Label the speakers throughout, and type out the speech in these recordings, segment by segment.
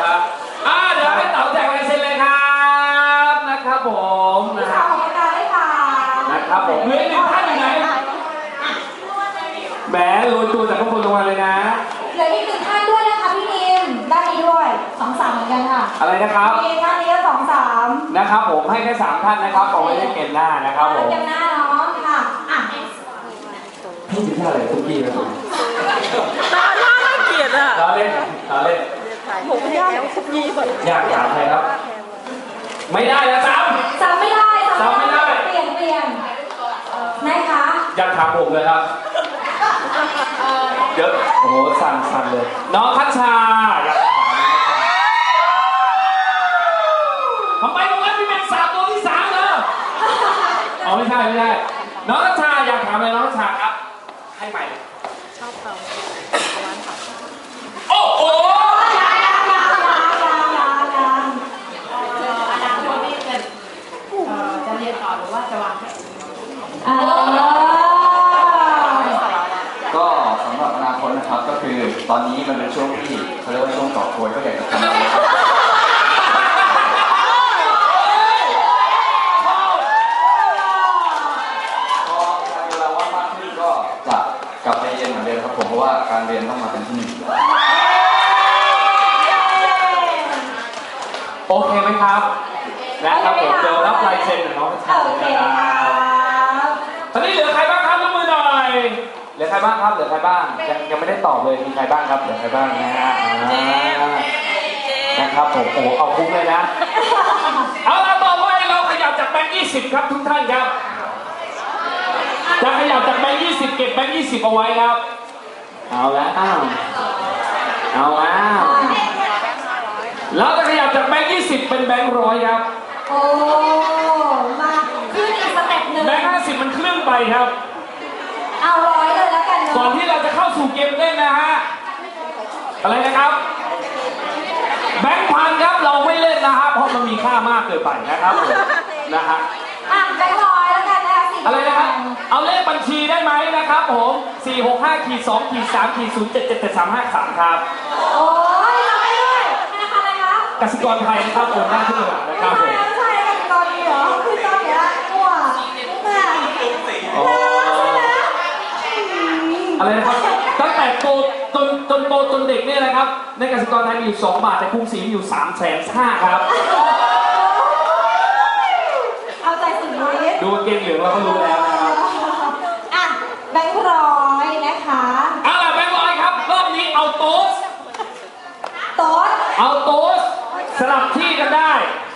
Speaker 1: เดี๋ยวให้เต๋าแจกลายเซ็นเลยครับนะครับผมนะค
Speaker 2: ข
Speaker 1: รั
Speaker 2: อ
Speaker 1: บบ
Speaker 2: คุณค่ะได้ค่ะ
Speaker 1: นะครับผมเหลืออีกหนึ่งท่านอยู่ไหนแหมโรยตัวจากข้างบนลงมาเลยนะ
Speaker 2: เหลืออีกหนึ่งท่านด้วยนะคะพี่นิมด้านนี้ด้วย2-3เหมือนกันค่ะ
Speaker 1: อะไรนะครับ
Speaker 2: มีท่านนี้ก็2-3
Speaker 1: นะครับผมให้แค่3ท่านนะครับเอาไว้ในเกมหน้านะครับผม
Speaker 2: เกมหน้าเนาะค่ะอ่ะ
Speaker 1: พี่ชื่ออะไรทุกพี่ครับผม
Speaker 3: ตาหน้าน่าเกลียดอ่ะ
Speaker 1: เราเล่น
Speaker 3: ผมยากคุกยีแบบ
Speaker 1: อยากถามใครครับ ไม่ได้นะซ้
Speaker 2: จำไม่ได้
Speaker 1: จำไม่ได้
Speaker 2: เปลี่ยนนะคะ
Speaker 1: ำอยากถามผมเลยครับเดี๋ยวโอ้โหสั่นเลย น้องพัชชาอยากถามนะครับทำไมตรงนั้นมีเป็นสามตัวที่3เลยอ๋อไม่ใช่น้องพัชชาอยากถามอะไรน้องพัชชาครับให้ใหม่
Speaker 3: ชอบเขา
Speaker 1: โอ้โห
Speaker 2: อนาคตนี่จะเรียนต่อหรือว่าจะวางแผน
Speaker 4: ก็สำหรับอนาคตนะครับก็คือตอนนี้มันเป็นช่วงที่เขาเรียกว่าช่วงต่อโคยก็อยากจะทำอะไรครับพอมีเวลาว่างมากขึ้นก็จะกลับไปเรียนเหมือนเดิมครับผมเพราะว่าการเรียนต้องมาเป็นที่หนึ่ง
Speaker 1: โอเคไหมครับนะครับผมเดี๋ยวรับลายเซ็นของน้องพัชชา
Speaker 2: โอ
Speaker 1: เลย
Speaker 2: เค
Speaker 1: นะค
Speaker 2: ค
Speaker 1: รั
Speaker 2: รั
Speaker 1: บบ ตอนนี้เหลือใครบ้างครับยกมือหน่อยเหลือใครบ้างครับยังไม่ได้ตอบเลยมีใครบ้างครับเหลือใครบ้างนะฮะนะครับผมโอ้เอาคุ้มเลยนะเอาละต่อไปเราขยับจากแบงค์20ครับทุกท่านครับจะขยับจากแบงค์20เก็บแบงค์20เอาไว้ครับเอาแล้วเราจะขยับจากแบงค์20เป็นแบงค์100ครับ
Speaker 2: โอ้มาขึ้นอีกสเต็ปหนึ่ง
Speaker 1: แบงค์50มันครึ่งไปครับ
Speaker 2: เอา100เลยแล้วกัน
Speaker 1: ก่อน
Speaker 2: เนาะ
Speaker 1: ที่เราจะเข้าสู่เกมเล่นนะฮะอะไรนะครับแบงค์พันครับเราไม่เล่นนะฮะเพราะมันมีค่ามากเกินไปนะครับผมนะฮะ
Speaker 2: อ่ะแบงค์ร้อยแล้วกันนะคะสี่
Speaker 1: อะไรนะครับเอาเลขบัญชีได้ไหมนะครับผม465-2-3-0777353ครับ
Speaker 2: โอ้ยทำได้ด้วยธนาคารอะไรคะ
Speaker 1: กสิกรไทยนะครับโอนได้ทุกอย่างนะครับผม
Speaker 2: ไม่ใช่กันตอนนี้เหรอคือตอนเนี้ยมั่วแม่
Speaker 1: อ๋ออะไรนะครับตั้งแต่โตจนโตจนเด็กเนี่ยนะครับในกสิกรไทยมีอยู่2 บาทแต่กรุงศรีมีอยู่350,000ครับ
Speaker 2: เอาใจสุดฤทธิ์
Speaker 1: ดูเกมเหลืองเราก็รู้แล้วนะครับ
Speaker 2: อ่ะแบงค์ร้อยนะคะ
Speaker 1: เอาล่ะแบงค์ร้อยครับรอบนี้เอาโต๊ะ
Speaker 2: โต๊ด
Speaker 1: เอาโต๊ะสลับที่กันได้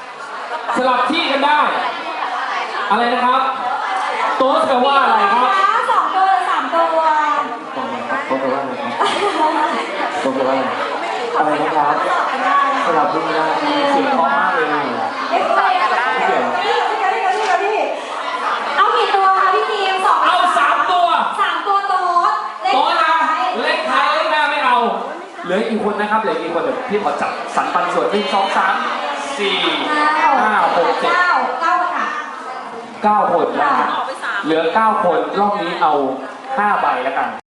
Speaker 1: อะไรนะครับโต๊ะแปลว่าอะไรครับ
Speaker 2: 2 ตัวหรือ3 ตัว
Speaker 1: โต๊ะแปลว่าอะไรครับโต๊ะแปลว่าอะไรนะครับสลับที่ไม่ได้เสียงเพราะมากเลย
Speaker 2: เอ๊ะอะไรอ่ะพี่เอากี่ตัวคะพี่ทีม2
Speaker 1: เอา3 ตัว
Speaker 2: 3 ตัวโต๊ด
Speaker 1: โต๊ะนะเลขท้ายเลขหน้าไม่เอาเหลืออีกคนนะครับเหลืออีกคนเดี๋ยวพี่ขอจับสรรปันส่วน1 2 3 4 5 6 7
Speaker 2: 9ค่ะ
Speaker 1: 9 คนนะฮะเหลือ9 คนรอบนี้เอา5 ใบแล้วกัน